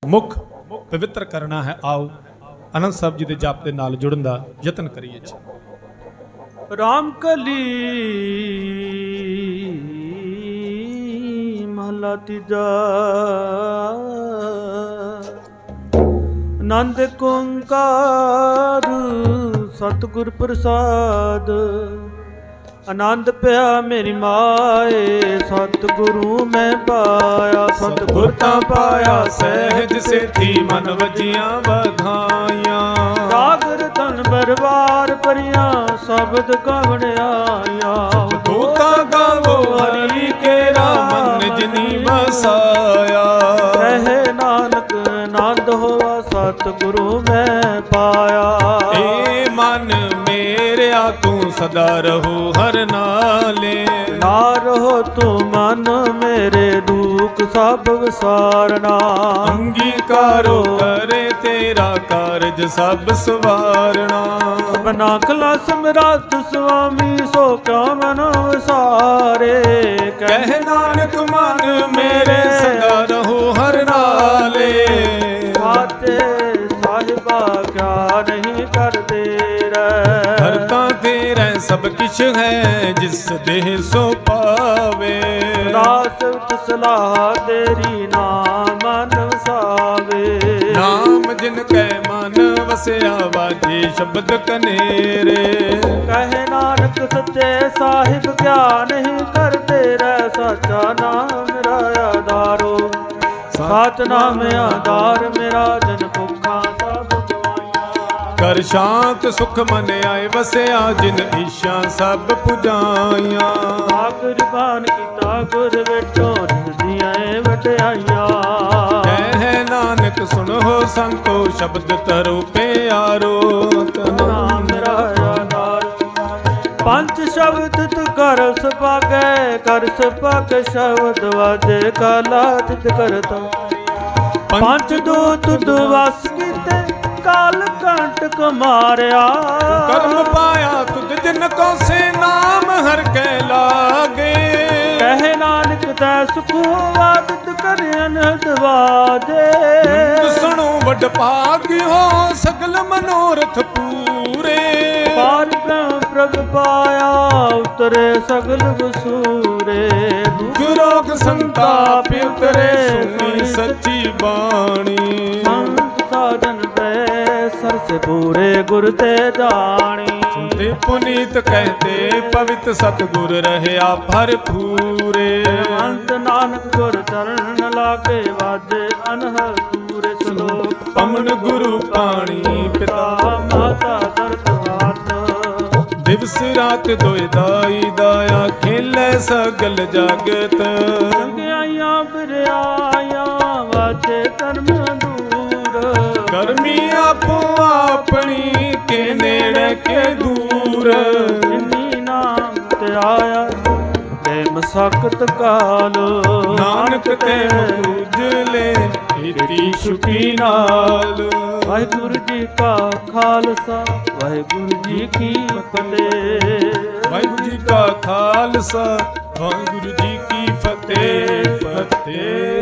ਮੁਖ ਪਵਿੱਤਰ ਕਰਨਾ ਹੈ। ਆਓ ਆਨੰਦ ਸਾਹਿਬ ਜੀ ਦੇ ਜਪ ਦੇ ਨਾਲ ਜੁੜਨ ਦਾ ਯਤਨ ਕਰੀਏ ਜੀ। ਰਾਮ ਕਲੀ ਮਹਲਾ ਤੀਜਾ। ਆਨੰਦ ਓੰਕਾਰ ਸਤਿਗੁਰ ਪ੍ਰਸਾਦ। ਆਨੰਦ ਪਿਆ ਮੇਰੀ ਮਾਏ ਸਤਿਗੁਰੂ ਮੈਂ ਪਾਇਆ। ਸਤਿਗੁਰ ਤਾਂ ਪਾਇਆ ਸਹਿਜ ਸੇਤੀ ਮਨ ਵਜੀਆਂ ਵਧਾਈਆਂ। ਰਾਗ ਰਤਨ ਬਰਬਾਰ ਭਰੀਆਂ ਸ਼ਬਦ ਗਵਣ ਆਇਆ। ਤੂੰ ਤਾਂ ਗਾਵੋ ਹਰੀ ਕੇਰਾ ਮਨ ਜਿਨੀ ਵਸਾਇਆ। ਕਹਿ ਨਾਨਕ ਆਨੰਦ ਹੋਵਾ ਸਤਿਗੁਰੂ ਮੈਂ ਪਾਇਆ। ਏ ਮਨ ਮੇਰਿਆ ਤੂੰ ਸਦਾ ਰਹੋ ਹਰ ਨਾਲੇ। ਨਾ ਰਹੋ ਤੂੰ ਮਨ ਮੇਰੇ ਦੁੱਖ ਸਭ ਵਿਸਾਰਨਾ। ਅੰਗੀਕਾਰੋ ਕਰੇ ਤੇਰਾ ਕਾਰਜ ਸਭ ਸਵਾਰਣਾ। ਬਨਾ ਕਲਾ ਸਮਰਾਟ ਸੁਆਮੀ ਸੋ ਕਿਆ ਮਨ ਵਿਸਾਰੇ। ਕਹਿ ਨਾਨਕ ਮਨ ਮੇਰੇ ਸਦਾ ਰਹੋ ਹਰ ਨਾਲੇ। ਆਤੇ ਸਾਹਿਬਾ ਕਿਆ ਨਹੀਂ ਕਰਦੇ ਰਹਿ। ਹਰਤਾ ਤੇਰਾ ਸਭ ਕਿਛ ਹੈ ਜਿਸ ਦੇਹ ਸੋ ਪਾਵੇ। ਦਾਸ ਸਲਾਹ ਤੇਰੀ ਨਾਮ ਮਨ ਵਸਾਵੇ। ਨਾਮ ਜਿਨ ਕੈ ਮਨ ਵਸਿਆ ਵਾਜੇ ਸ਼ਬਦ ਕਨੇਰੇ। ਕਹੇ ਨਾਨਕ ਸੱਚੇ ਸਾਹਿਬ ਕਿਆ ਨਹੀਂ ਕਰਦੇ ਰਹਿ। ਸਾਚਾ ਨਾਮ ਮੇਰਾ ਆਧਾਰੋ ਸਾਚ ਨਾਮ ਆਧਾਰ ਮੇਰਾ। ਜਨ ਭੁੱਖਾਂ ਸਭ ਗਵਾਈਆਂ। ਕਰ ਸ਼ਾਂਤ ਸੁਖ ਮਨ ਆਏ ਵਸਿਆ ਜਿਨ ਈਸ਼ਾ ਸਭ ਪੁਜਾਈਆਂ। ਆਖਿਰ ਬਾਣ ਕੀਤਾ ਗੁਰ ਵੇਟੋ ਰਿਦੀਆਂ ਵਟਿਆਈਆਂ। ਕਹਿ ਨਾਨਕ ਸੁਣੋ ਸੰਤੋ ਸ਼ਬਦ ਤਰੋ ਪਿਆਰੋ। ਨਾਮ ਮੇਰਾ ਆਧਾਰ। ਪੰਜ ਸ਼ਬਦ ਤੂ ਕਰ ਸੁਭਾਗੈ। ਕਰ ਸੁਭਾਗ ਸ਼ਬਦ ਵਾਜੇ ਕਾਲਾ ਤਿਤ ਕਰਤਾ। ਪੰਜ ਦੂਤ ਦੁਵਸ ਕੀਤੇ ਕਾਲ ਕੰਟਕ ਮਾਰਿਆ। ਕਰਮ ਪਾਇਆ ਤੁਧ ਜਿਨ ਕੋ ਸੇ ਨਾਮ ਹਰ ਕੈ ਲਾਗੇ। ਕਹਿ ਨਾਨਕ ਤੈ ਸੁਖ ਵਾਦਤ ਕਰ ਅਨਹਦ ਵਾਜੇ। ਸੁਣੋ ਵੱਡ ਭਾਗਿਓ ਸਗਲ ਮਨੋਰਥ ਪੂਰੇ। ਪਾਰ ਬ੍ਰਹਮ ਪ੍ਰਭ ਪਾਇਆ ਉਤਰੇ ਸਗਲ ਵਸੂਰੇ। ਦੁਖ ਰੋਗ ਸੰਤਾਪ ਉਤਰੇ ਸੁਣੀ ਸੱਚੀ ਬਾਣੀ। ਸੰਤ ਸਾਜਨ ਪੈ ਸਰਸ ਪੂਰੇ ਗੁਰ ਤੇ ਜਾਣੀ। ਸੁਣਦੇ ਪੁਨੀਤ ਕਹਤੇ ਪਵਿੱਤ ਸਤਿਗੁਰ ਰਹਿਆ ਭਰਪੂਰੇ। ਅੰਤ ਨਾਨਕ ਗੁਰ ਚਰਨ ਲਾਗੇ ਵਾਜੇ ਅਨਹਦ ਪੂਰੇ ਸ਼ਲੋਕ। ਪਵਨ ਗੁਰੂ ਪਾਣੀ ਪਿਤਾ ਮਾਤਾ ਦਰਦ ਹਾਥ। ਦਿਵਸ ਰਾਤ ਦੋਇ ਦਾਈ ਦਾਇਆ ਖੇਲੇ ਸਗਲ ਜਗਤ। ਸੰਗਿਆਈਆਂ ਬਿਰਿਆਈਆਂ ਵਾਜੇ ਧਰਮ ਦੂਰ। ਕਰਮੀ ਆਪੋ ਆਪਣੀ ਕੇ ਨੇੜੇ ਕੇ ਦੂਰ। ਜਿਨੀ ਨਾਮ ਤੇ ਆਇਆ ਤੇ ਮਸਕਤ ਕਾਲ। ਨਾਨਕ ਤੇ ਮੁਜਲੇ ਇਤੀ ਛੁਟੀ ਨਾਲ। ਵਾਹਿਗੁਰੂ ਜੀ ਕਾ ਖਾਲਸਾ ਵਾਹਿਗੁਰੂ ਜੀ ਕੀ ਫਤਿਹ। ਵਾਹਿਗੁਰੂ ਜੀ ਕਾ ਖਾਲਸਾ ਵਾਹਿਗੁਰੂ ਜੀ ਕੀ ਫਤਿਹ। ਫਤਿਹ।